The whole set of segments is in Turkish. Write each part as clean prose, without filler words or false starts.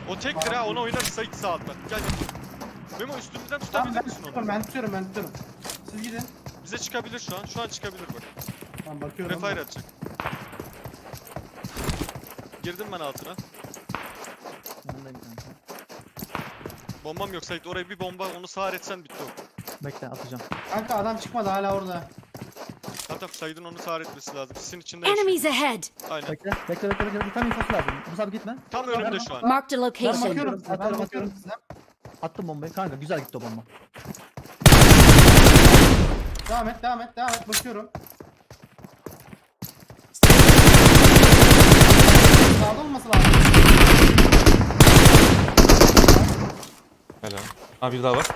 O tektir ha, onu oynarız Sait sağ alttan. Gel gel. Memo üstümüzden tutabilir misin onu? Ben tutuyorum. Siz gidin. Bize çıkabilir şu an. Şu an çıkabilir bak. Tamam bakıyorum. Refire atacak. Girdim ben altına. Yanındayım kanka. Bombam yok Sait, oraya bir bomba, onu sağır etsen bitti o. Bekle atacağım. Kanka adam çıkmadı hala orada. Hatta Sait'in onu sağır etmesi lazım. Sisin içinde yaşıyor. Enemies ahead! Aynen. Bekle. Tam infosu lazım. Musab gitme. Tam önümde şu an. Marked a Ben location. bakıyorum size. Ben Atıyorum, bakıyorum size. Attım bombayı. Kanka güzel gitti o bomba. Devam et. Bakıyorum. Sağda olması lazım. Helal. Ha bir daha var.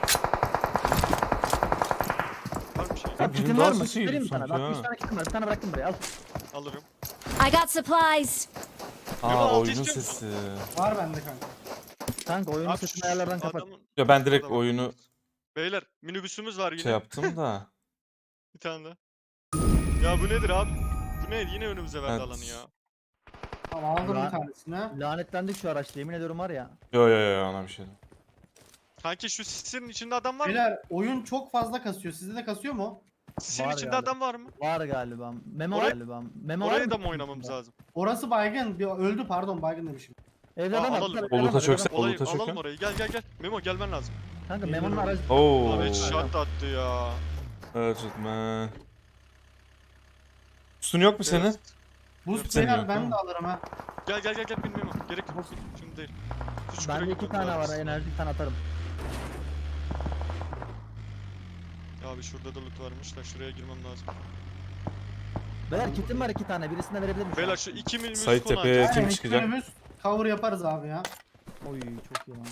Var bir şey. Ya birinin kitin var mı? daha sesi Vereyim mi geliyor sana? sanki 60 ha. tane kitim var. Bir tane bıraktım buraya. Al. Alırım. I got supplies. Memo, Aa altı oyunun istiyor musun? sesi. Var bende kanka. Kanka oyunun Abi sesini şu ayarlardan kapat. adamın- Ya ben direkt Adamın- oyunu Beyler minibüsümüz var yine. şey yaptım da. Bir tane daha. Ya bu nedir abi? Bu ne? Yine önümüze verdi Evet. alanı ya. Tamam aldım Ya. bir tanesini. Lanetlendik şu araçta. Yemin ediyorum var ya. Yo ona bir şey değil. Kanki şu sisin içinde adam var mı? Beyler oyun çok fazla kasıyor. Sizde de kasıyor mu? Sisin Var içinde galiba. adam var mı? Var galiba. Memo Oraya- galiba. Memo var Oraya mı? da mı oynamamız lazım? Orası baygın. Öldü pardon baygın demişim. Evde adam alalım. var. Oluta çökse Olayı oluta alalım çökün. orayı. Gel. Memo gelmen lazım. Kanka Memo'nun aracı. Oo. Abi shot attı ya. Urgent man. Üstün yok mu senin? Evet. Boost Senin beyler yok, ben değil de mi? alırım ha. Gel bin Memo. Gerek yok. Şimdi değil. Şu çukura Bende 2 gitmemiz tane var. lazım. Enerji bir tane atarım. Abi şurada da loot varmış da şuraya girmem lazım. Beyler kitim var 2 tane. Birisini de verebilir miyim? Beyler şu 2 minibüs Sait konu tepeye açacağız. kim Aynen, çıkacak? önümüz cover yaparız abi ya. Oy çok iyi lan.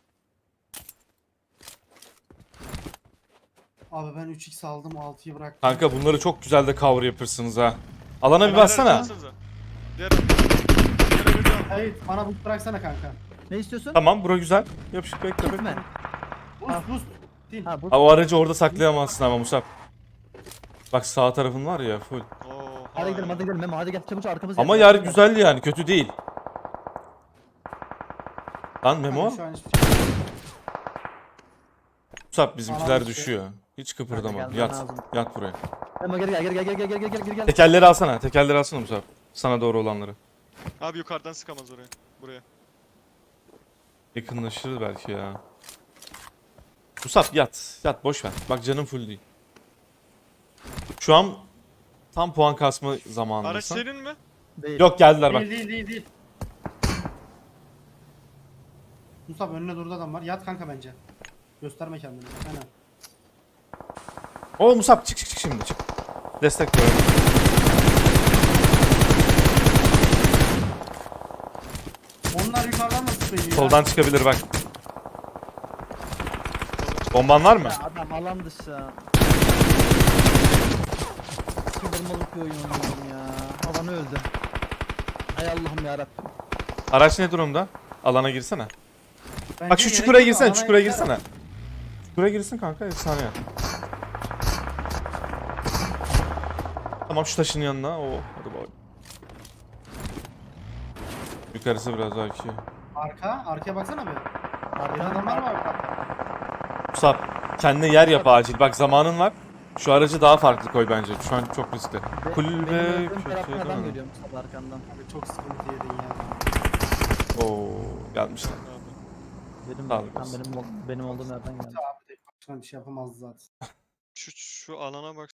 Abi ben 3x aldım 6'yı bıraktım. Kanka bunları çok güzel de cover yapırsınız ha. Alana bir Beyler, bassana. alsanıza. Diğer bir daha. Hayır bana boost bıraksana kanka. Ne istiyorsun? Tamam bura güzel. Yapışık bekle bekle. Gitme. Boost. Değil. Ha bu. Ha, o aracı orada saklayamazsın ama Musab. Bak sağ tarafın var ya full. Oo, Hadi gidelim hayır. hadi gidelim Memo hadi gel çabuk arkamızı Ama yer güzel yani kötü değil. Lan Memo. Kanka şu an hiçbir şey yok. Musab bizimkiler Alan dışı. düşüyor. Hiç kıpırdama. gelmen Yat. lazım. Yat buraya. Memo geri gel. Tekerleri alsana. Tekerleri alsana Musab. Sana doğru olanları. Abi yukarıdan sıkamaz oraya. Buraya. Yakınlaşır belki ya. Musab yat. Yat boş ver. Bak canım full değil. Şu an tam puan kasma Araç zamanındasın. senin mi? Değil. Yok geldiler bak. Değil. Musab önüne durdu adam var. Yat kanka bence. Gösterme kendini. Aynen. Oo Musab çık şimdi çık. Destek ver. Onlar yukarıdan da sıkıyor ya. Soldan çıkabilir bak. Bomban var mı? Ya adam alan dışı. Çıldırmalık bir oyun oynuyorum ya. Alan öldü. Hay Allah'ım yarabbim. Araç ne durumda? Alana girsene. Bence Bak şu gerek çukura yok, girsene, alana çukura yeter. girsene. Çukura girsin kanka, efsane ya. Tamam şu taşın yanına. Oo, hadi bak. Yukarısı biraz belki. Arkaya baksana bir. Bir Arkadan adamlar var bak. Musab, kendine yer yap acil. Bak zamanın var. Şu aracı daha farklı koy bence. Şu an çok riskli. Kulübe Benim köşeye taraftan adam dön. geliyor Mustafa arkandan. Abi çok sıkıntı yedin ya. Oo, gelmişler. Abi. Benim, Sağ olasın. benim olduğum yerden geldi. Abi tek başına bir şey yapamaz zaten. Şu alana bak.